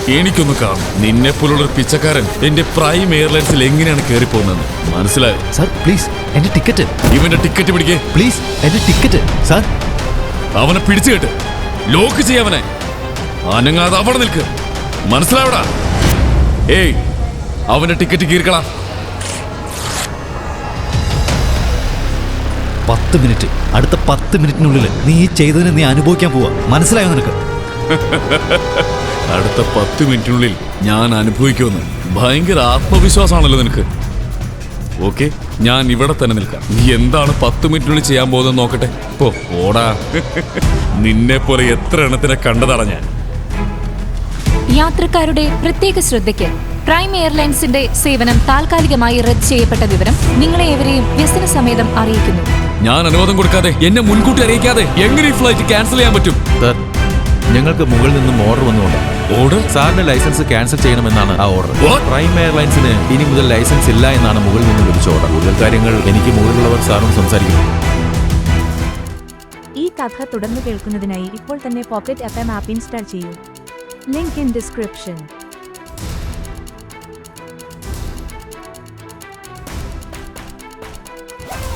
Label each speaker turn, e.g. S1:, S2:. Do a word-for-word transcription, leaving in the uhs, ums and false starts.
S1: എനിക്കൊന്ന് കാണും. നിന്നെ പോലുള്ളൊരു പിച്ചക്കാരൻ എന്റെ പ്രൈം എയർലൈൻസിൽ എങ്ങനെയാണ് കയറി പോകുന്നത് മനസ്സിലായോ?
S2: സാർ പ്ലീസ് എന്റെ ടിക്കറ്റ്.
S1: ഇവന്റെ ടിക്കറ്റ് പിടിക്കേ.
S2: പ്ലീസ് എന്റെ ടിക്കറ്റ് സാർ.
S1: അവനെ പിടിച്ചു കേട്ട് ലോക്ക് ചെയ്യാവനെ. അനങ്ങാതെ അവിടെ നിൽക്ക്. മനസ്സിലാവടാ? ഏയ്, അവന്റെ ടിക്കറ്റ് കീർക്കളാ.
S2: പത്ത് മിനിറ്റ് അടുത്ത പത്ത് മിനിറ്റിനുള്ളിൽ നീ ഈ ചെയ്തതിന് നീ അനുഭവിക്കാൻ പോവാ. മനസ്സിലായോ നിനക്ക്?
S1: അടുത്ത പത്ത് മിനിറ്റിനുള്ളിൽ ഞാൻ അനുഭവിക്കുമെന്ന് ഭയങ്കര ആത്മവിശ്വാസമാണല്ലോ നിനക്ക്. ഓക്കെ, ഞാൻ ഇവിടെ തന്നെ നിൽക്കാം. നീ എന്താണ് പത്ത് മിനിറ്റിനുള്ളിൽ ചെയ്യാൻ പോകുന്നത് നോക്കട്ടെ. പോ ഓടാ. നിന്നെ പോലെ എത്ര എണ്ണത്തിനെ കണ്ടതാണ് ഞാൻ.
S3: യാത്രക്കാരുടെ പ്രത്യേക ശ്രദ്ധയ്ക്ക് പ്രൈം എയർലൈൻസിന്റെ സേവനം താൽക്കാലികമായി റദ്ദ് ചെയ്യപ്പെട്ട വിവരം നിങ്ങളെ ഏവരെയും വ്യസന സമേതം അറിയിക്കുന്നു.
S1: ഞാൻ അനുവാദം കൊടുക്കാതെ, എന്നെ മുൻകൂട്ടി അറിയിക്കാതെ എങ്ങനെ ഈ ഫ്ലൈറ്റ് ക്യാൻസൽ ചെയ്യാൻ പറ്റും?
S4: സർ, ഞങ്ങൾക്ക് മുകളിൽ നിന്നും ഓർഡർ വന്നുകൊണ്ട്
S1: ഓർഡർ?
S4: സാറിന്റെ ലൈസൻസ് ക്യാൻസൽ ചെയ്യണമെന്നാണ് ആ ഓർഡർ.
S1: What?
S4: പ്രൈം എയർലൈൻസിന് ഇനി മുതൽ ലൈസൻസ് ഇല്ല എന്നാണ് മുകളിൽ നിന്ന് ലഭിച്ച ഓർഡർ. കൂടുതൽ കാര്യങ്ങൾ എനിക്ക് മുകളിലുള്ളവർ സാറും സംസാരിക്കും.
S5: ഈ കഥ തുടർന്ന് കേൾക്കുന്നതിനായി ഇപ്പോൾ തന്നെ pocket F M app install ചെയ്യൂ. Link in description.